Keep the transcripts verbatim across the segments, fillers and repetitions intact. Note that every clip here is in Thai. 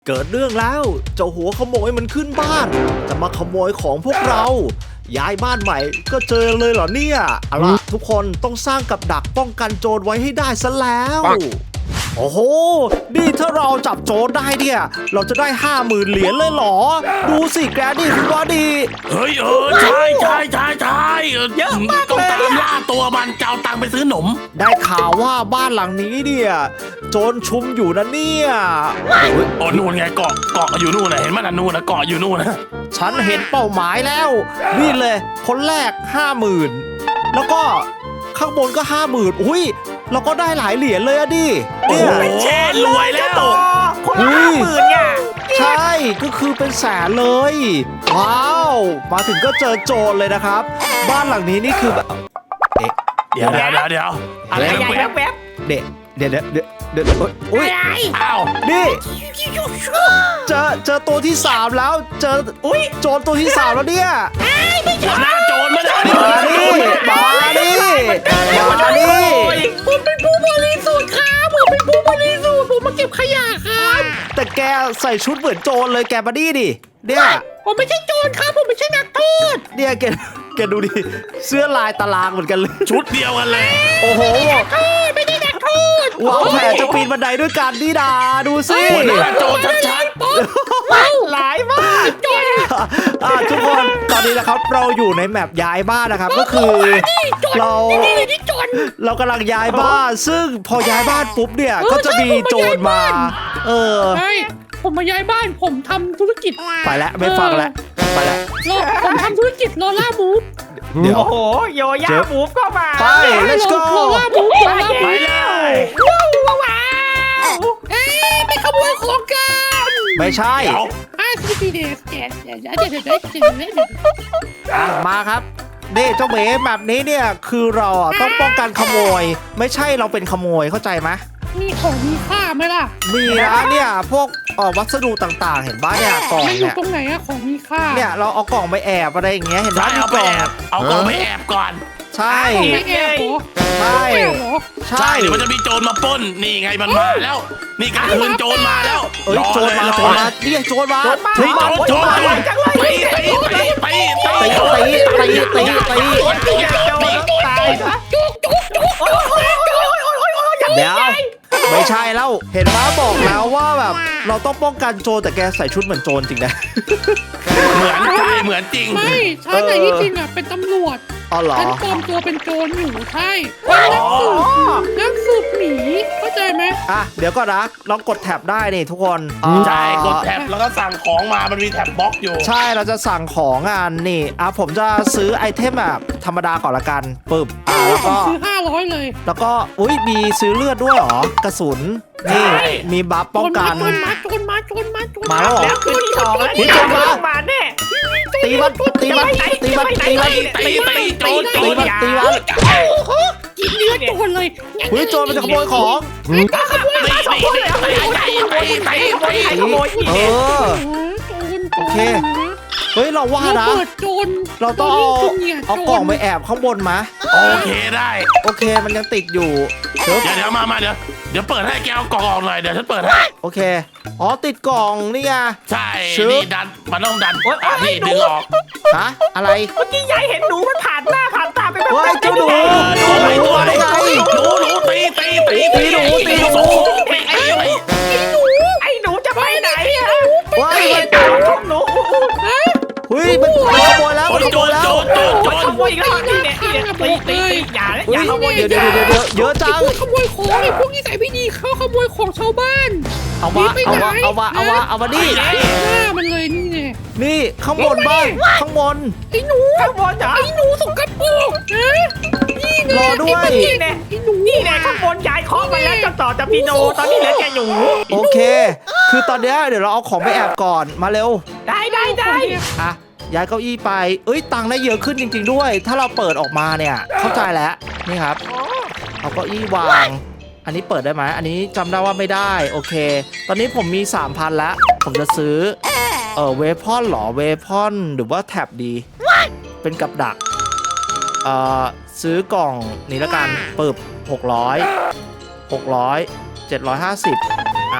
เกิดเรื่องแล้วเจ้าหัวขโมยมันขึ้นบ้านจะมาขโมยของพวกเราย้ายบ้านใหม่ก็เจอเลยเหรอเนี่ยเอาล่ะทุกคนต้องสร้างกับดักป้องกันโจรไว้ให้ได้ซะแล้วโอ้โหนี่ถ้าเราจับโจรได้เนี่ยเราจะได้ห้าหมื่นเหรียญเลยเหรอดูสิแกนี่คุณว่าดีเฮ้ยเออใช่ใช่ใช่ใช่เยอะมากต้องตามล่าตัวมันเจ้าตังไปซื้อหนมได้ข่าวว่าบ้านหลังนี้เนี่ยโจรชุมอยู่นะเนี่ยโอ้นู่นไงเกาะเกาะอยู่นู่นนะเห็นมั้ยนะนู่นนะเกาะอยู่นู่นนะฉันเห็นเป้าหมายแล้วนี่เลยคนแรกห้าหมื่นแล้วก็ข้างบนก็ห้าหมื่นอุ้ยเราก็ได้หลายเหรียญเลยอะดิโอ้โหรวยแล้วคนละห้าหมื่นเนี่ยใช่ก็คือเป็นแสนเลยว้าวมาถึงก็เจอโจรเลยนะครับบ้านหลังนี้นี่คือแบบเดี๋ยวเดี๋ยวเดี๋ยวเดี๋ยวอะไรแวบแวบเด็กเดี๋ยวเดี๋ยวเดี๋ยวเดี๋ยวอุ้ยอ้าวนี่เจอเจอตัวที่สามแล้วเจออุ้ยโจรตัวที่สามแล้วเนี่ยหัวหน้าโจรมาดิมาดิมาดิมาดิผมเป็นผู้บริสุทธิ์ครับผมเป็นผู้บริสุทธิ์ผมมาเก็บขยะครับแต่แกใส่ชุดเหมือนโจรเลยแกมาดิดิเนี่ยผมไม่ใช่โจรครับผมไม่ใช่นักโทษเนี่ยแกแกดูดิเสื้อลายตารางเหมือนกันเลยชุดเดียวกันเลยโอ้โหไม่ได้นักโทษว้าวแผลจะปีนบันไดด้วยกันดิดาดูสิโจรชัดๆหลายมากโจรทุกคนตอนนี้นะครับเราอยู่ในแมปย้ายบ้านนะครับก็คือเราเรากำลังย้ายบ้านซึ่งพอย้ายบ้านปุ๊บเนี่ยก็จะมีโจรมาเออผมมาย้ายบ้านผมทำธุรกิจไปแล้วไม่ฟังแล้วไปแล้วผมทำธุรกิจโลล่ามูฟเดี๋ยวโอ้โหโยย่ามูฟก็มาไป let's go โลล่ามูฟไปเลยว้าวว้าวเอ๊ะไปขโมยของกันไม่ใช่อ่ะสิบเด็กเดี๋ยวเดี๋ยวเดี๋ยวเดี๋ยวเดี๋ยวมาครับนี่เจ้าเมย์แบบนี้เนี่ยคือเราต้องป้องกันขโมยไม่ใช่เราเป็นขโมยเข้าใจไหมมีของมีค่าไหมล่ะมีนะเนี่ยพวกวัสดุต่างๆเห็นบ้าเนี่ยกล่องเนี่ยตรงไหนอะของมีค่าเนี่ยเราเอากล่องไปแอบอะไรอย่างเงี้ยเห็นบ้าเอาไปแอบเอากล่องไปแอบก่อนใช่ใช่ใช่ใช่เดี๋ยวมันจะมีโจรมาปล้นนี่ไงมันมาแล้วนี่กลางคืนโจรมาแล้วเอ้ยโจรมาโจรมาเรียกโจรมาโจรมาโจรมาตีตีตีตีตีตีตีตีตีเดี๋ยวไม่ใช่แล้วเห็นม้าบอกแล้วว่าแบบเราต้องป้องกันโจรแต่แกใส่ชุดเหมือนโจรจริงนะเหมือนใช่เหมือนจริงไม่ใช่แต่ที่จริงอ่ะเป็นตำรวจอ๋อเหรอฉันปลอมตัวเป็นโจรอยู่ใช่นักสืบนักสืบหมีเข้าใจไหมอ่ะเดี๋ยวก็นะลองกดแท็บได้นี่ทุกคนใช่กดแท็บแล้วก็สั่งของมามันมีแท็บบล็อกอยู่ใช่เราจะสั่งของงานนี่อ่ะผมจะซื้อไอเทมแบบธรรมดาก่อนละกันปึ๊บอ่ะแล้วก็ซื้อห้าร้อยเลยแล้วก็อุ้ยมีซื้อเลือดด้วยหรอกระสุนนี่มีบัฟป้องกันโจรมาโจรมาโจรมาโจรมาแล้วแล้วขึ้นสองแล้วนี่โจรมามาแน่ตีมันตีมันตีมันตีมันตีตีโจรตีมันตีมันกินเนื้อโจรเลยเฮ้ยโจรมันจะขโมยของขโมยมาสองคนเลยขโมยเออโอเคเฮ้ยเราว่านะเราต้องเอากล่องไปแอบข้างบนมาโอเคได้โอเคมันยังติดอยู่เดี๋ยวเดี๋ยวมามาเดี๋ยวเดี๋ยวเปิดให้แกเอากล่องออกหน่อยเดี๋ยวฉันเปิดให้โอเคอ๋อติดกล่องนี่ไงใช่นี่ดันมันต้องดันอ่ะนี่ดึงออกฮะอะไรเมื่อกี้ยายเห็นหนูมันผ่านหน้าผ่านตาไปแบบเฮ้ยเจ้าหนูตัวไหนตัวไหนหนูหนูตีตีตีตีหนูตีหนูไอ้หนูไอ้หนูจะไปไหนอ่ะว้ายมันจับหนูเฮ้ยมันขโมยแล้วมันขโมยแล้วขโมยอีกแล้วนี่เนี่ยนี่เนี่ยตีตีอย่าเลยอย่าขโมยเดี๋ยวเดี๋ยวเดี๋ยวเยอะจังขโมยของไอ้พวกนี้ใส่ไม่ดีเขาขโมยของชาวบ้านเอามาเอามาเอามาเอามาเอามาดิหน้ามันเลยนี่ไงนี่ข้างบนบ้างข้างบนไอ้หนูข้างบนเหรอไอ้หนูสกปรกนี่รอด้วยนี่แน่ไอ้หนูนี่แน่ข้างบนยายเคาะมาแล้วจะต่อจะพี่โนตอนนี้เหลือแค่หนูโอเคคือตอนนี้เดี๋ยวเราเอาของไปแอบก่อนมาเร็วได้ได้ได้อ่ะย้ายเก้าอี้ไปเอ้ยตังค์ได้เยอะขึ้นจริงๆด้วยถ้าเราเปิดออกมาเนี่ยเข้าใจแล้วนี่ครับเอาเก้าอี้วางอันนี้เปิดได้ไหมอันนี้จำได้ว่าไม่ได้โอเคตอนนี้ผมมี สามพัน แล้วผมจะซื้อเออเวพอนหรอเวพอนหรือว่าแท็บดีเป็นกับดักเอ่อซื้อกล่องนี้ละกันปึ๊บหกร้อย หกร้อย เจ็ดร้อยห้าสิบอ่ะ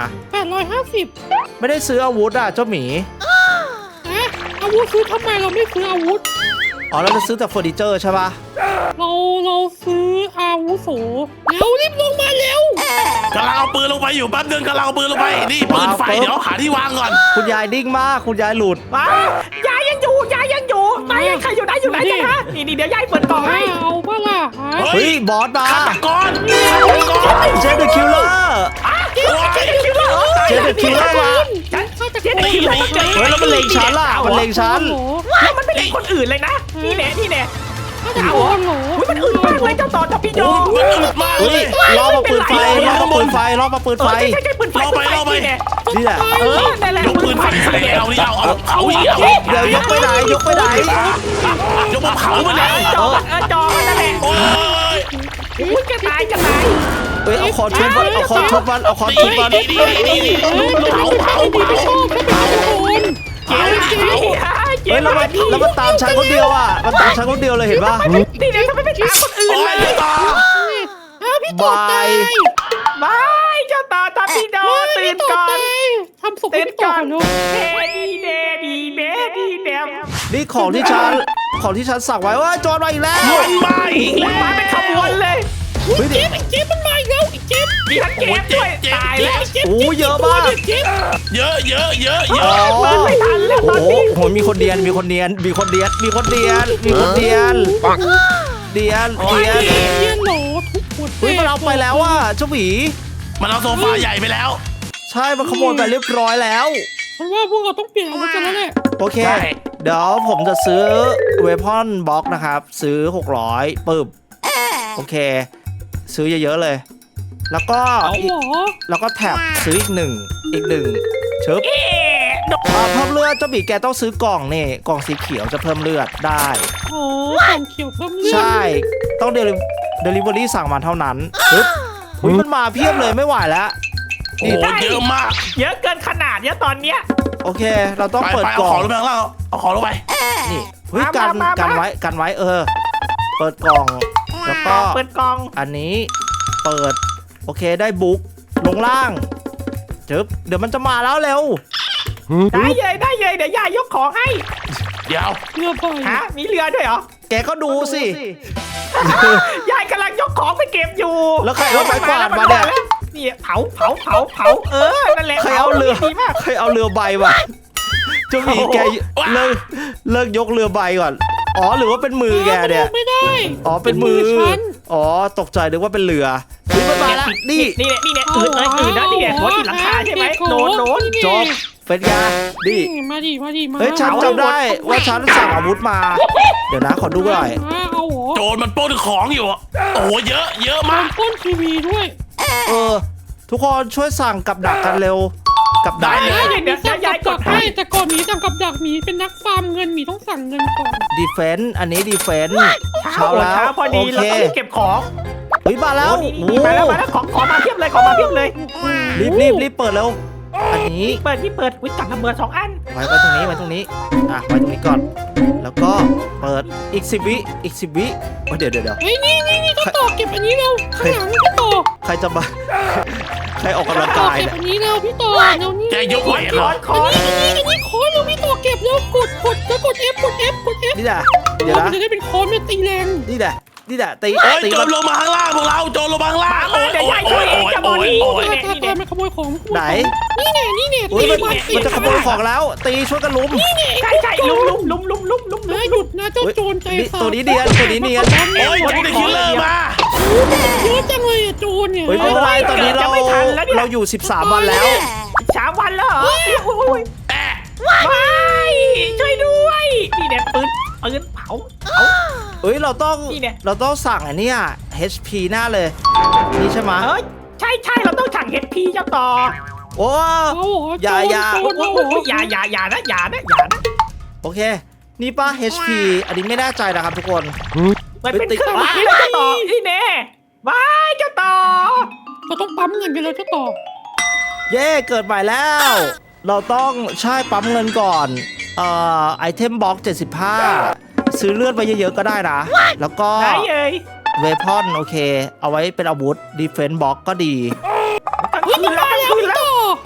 แปดร้อยห้าสิบไม่ได้ซื้ออาวุธอ่ะเจ้าหมีนะอาวุธซื้อทำไมเราไม่ซื้ออาวุธอ๋อเราจะซื้อแต่เฟอร์นิเจอร์ใช่ปะเราเราซื้ออาวุโสเร็วรีบลงมาเร็วกำลังเอาปืนลงไปอยู่แป๊บนึงกำลังเอาปืนลงไปนี่ปืนไฟเดี๋ยวหาที่วางก่อนคุณยายดิ้งมากคุณยายหลุดมายายยังอยู่ยายยังอยู่นายใครอยู่ไหนอยู่ไหนกันฮะนี่นี่เดี๋ยวยายเปิดกล่องให้เอาปะล่ะฮะเฮ้ยบอสมาฆาตกรฆาตกรเจนเดอะคิลเลอร์เจ๊เจ๊คิวเลอร์เจนเดอะคิลเลอร์มาฉันเจ๊คิวเลอร์เจอเฮ้ยแล้วมันเล็งฉันล่ะมันเล็งฉันแล้วมันไม่เล็งคนอื่นเลยนะนี่แน่นี่แน่เอาเอาเหรออุ้ยมันอึดมากเลยเจ้าต่อทัพพี่โดมันอึดมากเลเฮ้ยยล่อมาปืนไฟล่อมาปืนไฟล่อมาปืนเอไฟอใช่ใช่ปืนไฟปืนไฟนี่แน่นี่แหละเออนั่นแหละยกปืนไฟใส่เอานี่เอาเอาเผาอีกเอาเดี๋ยวยกไปไหนยกไปไหนยกมาเผามาแล้วจอเออจอนั่นแหละโอ้ยอุ้ยจะตายจะตายเฮ้ยเอาคอทุบมันเอาคอทุบมันเอาคอทุบมันนี่นี่นี่นี่เผาเผาเผาชอบแค่เป็นคนเจ๊เจ๊เฮ้ยแล้วมันแล้วมันตามฉันคนเดียวอ่ะมันตามฉันคนเดียวเลยเห็นปะนี่แน่ทำไมไม่ตามคนอื่นโอ้เลย ยต่ออ้าวพี่ต่อตายไม่เจ้าต่อทัพพี่โดตื่นก่อนทำศพให้พี่ต่อก่อนเนาะเฮ้ดีเน่ดีเน่ดีเน่นี่ของที่ฉันของที่ฉันสั่งไว้ว่าโจรมาอีกแล้วมันมาอีกมัแล้นมาเป็นขวบวนเลยเฮ้ยเจ๊บไอ้เจ๊บมันมาอีกแล้วไอ้เจ๊บมีทั้งเกมด้วยตายแล้วโอ้เยอะมากเจ๊บเยอะเยอะเยอะเยอ๋อะอเปิดไม่ทันแล้วตโอ้อนโหนี้โหมีคนเดียนมีคนเดียนมีคนเดียนมีคนเดียนมีคนเดียนเดียนเดียนเจ๊ยนโหลทุกคนเฮ้ยมันเอาไปแล้วอ่ะเจ้าหมีมันเอาโซฟาใหญ่ไปแล้วใช่มันขโมยไปเรียบร้อยแล้วฉันว่าพวกเราต้องเปลี่ยนอาวุธกันแล้วแหละโอเค เดี๋ยวผมจะซื้อเวพอนบ็อกนะครับ ซื้อหกร้อยปึ๊บโอเค ซื้อเยอะๆเลย แล้วก็เอาอีกเหรอแล้วก็แท็บซื้ออีกหนึ่งอีกหนึ่งชึบเอ๊ะโดนอ่าเพิ่มเลือดเจ้าหมีแกต้องซื้อกล่องนี่กล่องสีเขียวจะเพิ่มเลือดได้โอ้ของเขียวเพิ่มเลือดใช่ ต้องเดลิเดลิเวอรี่สั่งมาเท่านั้นปึ๊บอุ้ยมันมาเพียบเลยไม่ไหวแล้วโอ้โหเยอะมากเยอะเกินขนาดเนี้ยตอนเนี้ยโอเค เราต้องไปเปิดไปกเอาล่อของ งลงไปข้างล่างเอาของลงไปนี่เฮ้ยมากันมามากันไว้กันไว้เออ เปิดกล่องแล้วก็เปิดกล่องอันนี้เปิดโอเคได้บุ๊กลงล่างจึ๊บเดี๋ยวมันจะมาแล้วเร็วได้เลยได้เลยเดี๋ยวยายยกของให้เดี๋ยวเรือไฟฮะมีเรือด้วยเหรอแกก็ดูสิยายกำลังยกของไปเก็บอยู่แล้วใครเอาไม้กวาดมาเนี่ยนี่เผาเผาเผาเผาเออนั่นแหละใครเอาเรือดีมากใครเอาเรือใบมาเจ้าหมีแกเลิกเลิกยกเรือใบก่อนอ๋อหรือว่าเป็นมือแกเนี่ยไม่ได้อ๋อเป็นมือฉันอ๋อตกใจนึกว่าเป็นเรือเฮ้ยมันมาแล้วนี่นี่แหละนี่แหละอื่นเลยอื่นนะนี่แหละหัวติดหลังคาใช่ไหมโดนโดนจบเป็นไงนี่มาดิมาดิมาเฮ้ยฉันจำได้ว่าฉันสั่งอาวุธมา เดี๋ยวนะขอดูหน่อยมาเอาเหรอโจรมันปล้นของอยู่อะโอ้โหเยอะเยอะมัมาน กป้นทีวีด้วยเออ ทุกคนช่วยสั่งกับดักกันเร็ว กับดักได้เลยเดี๋ยวเดี๋ยวยายกดให้ให้แต่ก่อนหมีสั่งกับดักหมีเป็นนักฟาร์มเงินหมีต้องสั่งเงินก่อนดีเฟนต์อันนี้ดีเฟนต์เช้าเช้าแล้วเช้าพอดีโอเราเคต้องเก็บของเฮ้ยมาแล้วนี่โอ้นี่มาแล้วมาแล้วของของมาเพียบเลยของมาเพียบเลยรีบรีบรีบเปิดเร็วอันนี้เปิดที่เปิดวิจับระเบิดสองอันไว้ไว้ตรงนี้ไว้ตรงนี้อ่ะไว้ตรงนี้ก่อน แล้วก็เปิดอีกสิบวิอีกสิบวิโอ้ยเดี๋ยวเดี๋ยวเดี๋ยวเฮ้ยนี่นี่นี่เจ้าต่อเก็บอันนี้เร็วข้างหลังเจ้าต่อใครจะมา ใครออกกำลังต่อกายเก็บเนี่ยอันนี้เร็วพี่ต่อเร็วนี่แกยกไหวเหรคออนคออันนนี้อันนี้อันนี้ค้อนเร็วพี่ต่อเก็บเร็วกดกดแล้วกด F กด F กด F นี่แหละเดี๋ยวมันะนจะได้เป็นค้อนมันตีแรงนี่แหละนี่แหละตีโอ้ยตีโจมัรนลงมาข้างล่างพวกเราโจรลงมาข้างล่างมาโอ้ยเดี๋ยวโอ้ยาย ยโอ้ช่วยยเองโอ้ยจะบอโอ้กยนี่ตาตาตามันขโมยของไหนนี่แน่นี่แน่อุ้ยมันตีมันจะขโมยของแล้ว ตีช่วยกันลุมใช่ใช่ลุมลุมลุมลุมลุมลุมนะหยุดนะเจ้าโจรใจนี่สาบตัวนี้เนียนตัวนี้เนียนโอ้ยแจ็คเดอะคิลเลอร์มาเยอะจังเลยอะโจรเนี่ยเฮ้ยไม่เป็นไรตอนนี้เราเราอยู่สิบสามวันแล้วสามวันแล้วเหรออุ้ยแอะว้ายช่วยด้วยนี่เนี่ยปืนปืนเผาเผาเอ้ยเราต้องนี่เนี่ยเราต้องสั่งอันเนี้ย เอช พี หน้าเลยนี่ใช่ไหมเอ้ยใช่ใช่เราต้องสั่งเฮดพีเจ้าต่อโอ้เอาเหรออย่าอย่าโจรโอ้เอาโหเหรออย่าอย่าอย่านะอย่านะอย่านะโอเค นี่ป้า เอช พี อันนี้ไม่แน่ใจนะครับทุกคนมันเป็นเครื่องหมายเลยเจ้าต่อนี่แน่ว้ายเจ้าต่อเราต้องปั๊มเงินกันแล้วเจ้าต่อเย่เกิดใหม่แล้ว เราต้องใช่ปั๊มเงินก่อนเอ่อไอเทมบ็อกเจ็ดสิบห้าซื้อเลือดไปเยอะๆก็ได้นะ แล้วก็ไหนเอ่ยเวพอนโอเค เอาไว้เป็นอาวุธดีเฟนส์บ็อกก็ดีกลางเฮ้ยคืมัน นแล้วมากลางแล้วคืนพี่แล้วต่อ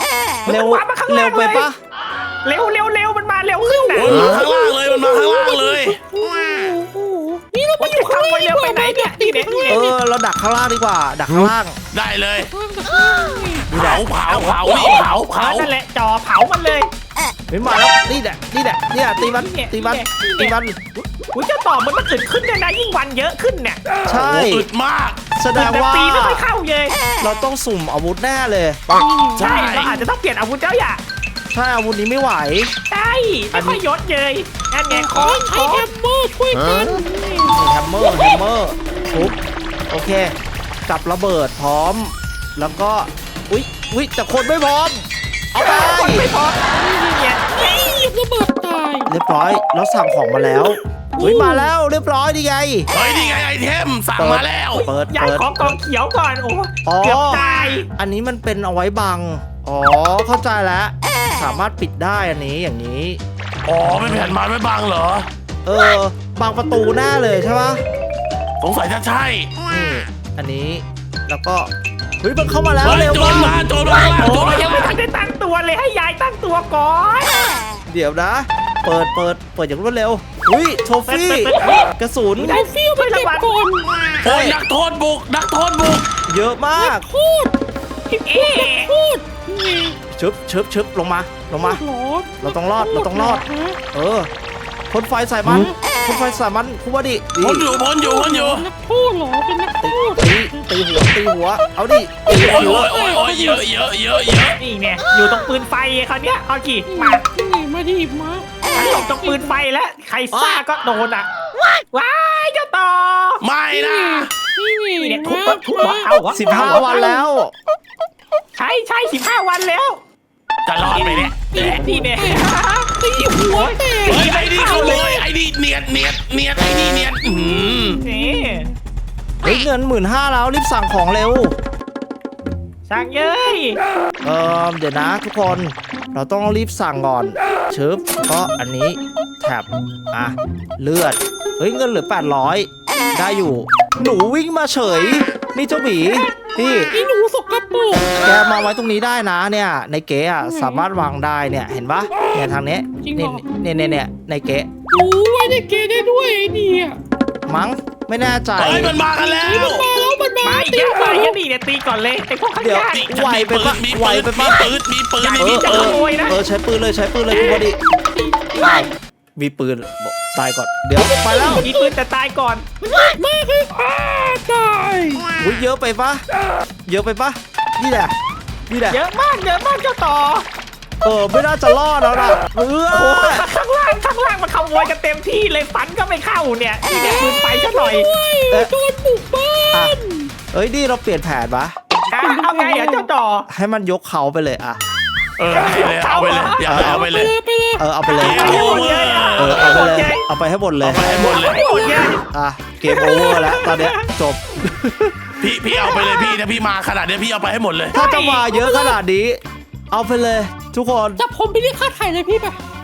เร็วมันวาร์ปมาข้างเร็ล่าว งไปเลยปะเร็วเร็วเร็วมันมาเร็วขึ้นนะโอ้ยมันมาข้างล่างเลยมันมาข้างล่างเลยนี่เราไปมันอยู่จะข้างทำล่างไปเร็วไปไหนเนี่ยนี่เนี่ยนี่เอเนี่ยอเราดักข้างล่างดีกว่า ดักข้างล่างได้เลยข้างล่างเผาเผาเผานี่เผาเผาเผานั่นแหละจอเผามันเลยไม่มาแล้วนี่แหละนี่แหละเนี่ยตีมันเนี่ยตีมันเนี่ยตีมันอุ้ยเจ้าต่อมันมันอึดขึ้นเนี่ยนะยิ่งวันเยอะขึ้นเนี่ยใช่โอ้อึดมากแสดงว่าตีไม่ค่อยเข้าเลยเราต้องสุ่มอาวุธแน่เลยใช่เราอาจจะต้องเปลี่ยนอาวุธเจ้าอย่าใช่อาวุธนี้ไม่ไหวใช่ไม่ค่อยยศเลยนั่นไงคอใช้แฮมเมอร์ช่วยกันแฮมเมอร์แฮมเมอร์ทุบโอเคจับระเบิดพร้อม แล้วก็อุ๊ยอุ๊ยแต่คนไม่พร้อม เอาไปคนไม่พอนี่เนี่ยนี่ระเบิดตายเรียบร้อยแล้วสั่งของมาแล้วอุ๊ยมาแล้วเรียบร้อยดีไงเฮ้ยนี่ไงไอเทมสั่งมาแล้วเปิดย้ายเปิดของกองเขียวก่อนโอ้อ๋อเกือบตายอันนี้มันเป็นเอาไว้บังอ๋อเข้าใจแล้ว สามารถปิดได้อันนี้อย่างนี้อ๋อไม่แผ่นไม้ไม่บังเหรอเออบางประตูแน่เลยใช่ปะสงสัยจะใช่นี่อันนี้แล้วก็เฮ้ยมันเข้ามาแล้วเฮ้ยเร็วโจรมามาก โจรมาข้างล่างโอ้โจรมายยังข้างไม่ล่างทันได้ตั้งตัวเลยให้ยายตั้งตัวก่อนเดี๋ยวนะ เปิดเปิดเปิดอย่างรวดเร็วอุ้ยโทฟี่กระสุนไอ้ฟิวไปเก็บก่อนโอ้ยนักโทษบุกนักโทษบุกเยอะมากพูดเอ๊ะพูดนี่ชึบชึบชึบลงมาลงมาหรอเราต้องรอดเราต้องรอดฮะเออพ่นไฟใส่มันพ่นไฟใส่มันคุณว่าดิดีพ้นอยู่พ้นอยู่พ้นอยู่นักโทษเหรอเป็นนักโทตีษตีตีหัวตีหัวเอาดิตีโอ้ยหัวโอ้ยโอ้ยโอ้ยเยอะเยอะเยอะเยอะนี่เนี่ยอยู่ตรงปืนไฟเขาวเนี้ยเอากี่มานี่มาดิมาฉันหลบตรงปืนไฟแล้วใครซ่าก็โดนอ่ะว้ายเจ้าต่อไม่นะนี่นี่เนี่ยทุบมาทุบหัวเอาหัวสิบห้าวันแล้วใช่ใช่สิบห้าวันแล้วจะรอดไหมเนี่ยนี่เนี่ยตีหัวแตกเฮ้ยไอ้นี่ขโมยไอ้นี่เนียดเนียดเนียดไอ้นี่เนียดอืมนี่เฮ้ยเงินหมื่นห้าแล้วรีบสั่งของเร็วสั่งเย้ยเออเดี๋ยวนะทุกคนเราต้องรีบสั่งก่อนชึบก็อันนี้แถบอ่ะเลือดเฮ้ยเงินเหลือแปดร้อยได้อยู่ หนูวิ่งมาเฉย นี่เจ้าหมีนี่ไอ้หนูสกปรกแกมาไว้ตรงนี้ได้นะเนี่ยในเก๋อะสามารถวางได้เนี่ยเห็นปะเนี่ยทางนี้นี่เนี่ยเนี่ยเนี่ยในเก๋หนูไว้ในเกย์ได้ด้วยไอ้เนี่ยมั้งไม่แน่ใจเฮ้ยมันมากันแล้วมันมาแล้วมันมามาตีเยอะหัมาว เยอะนี่เนี่ยตีก่อนเลยไอ้พวกข้างเดี๋ยวล่างไหวไปปะมีไหวปืนไปมีปะปืนมีปืนเอมีอปืเอน อขโมยนะเออใช้ปืนเลยใช้ปืนเลยคุณพอดีมีปืนบอกตายก่อนเดี๋ยวไปแล้วมีปืนแต่ตายก่อนมากเลยอ้าตายอุ้ยเยอะไปปะเยอะไปปะนี่แหละนี่แหละเยอะมากเยอะมากเจ้าต่อเออไม่น่าจะรอดแล้วล่ะเอโอ้อข้างล่างข้างล่างมันขโมยกันเต็มที่เลยฟันก็ไม่เข้าเนี่ยนี่เนี่ยปืนไฟซะหน่อยโดนบุกบ้าอ่ะนเอ้ยนี่เราเปลี่ยนแผนปะอ่ะเอาไงอ่ะเจ้าต่อให้มันยกเขาไปเลยอ่ะเออให้เลยเอาไปเลยอย่าเอาไปไปเลเลย ยไปเลยเออเอาไปเลยเกมเอาโอเวอร์เออเอาไปเลยเอาไปให้หมดเลยเอาไปให้หมดเลยไม่หมดเลยอ่ะเกมโอเวอร์แล้วตอนเนี้ยจบพี่พี่เอาไปเลยพี่ถ้าพี่มาขนาดเนี้ยพี่เอาไปให้หมดเลยถ้าจะมาเยอะขนาดนี้ เอาไปเลย ทุกคนจับผมไปเรียกค่าไถ่เลยพี่ไป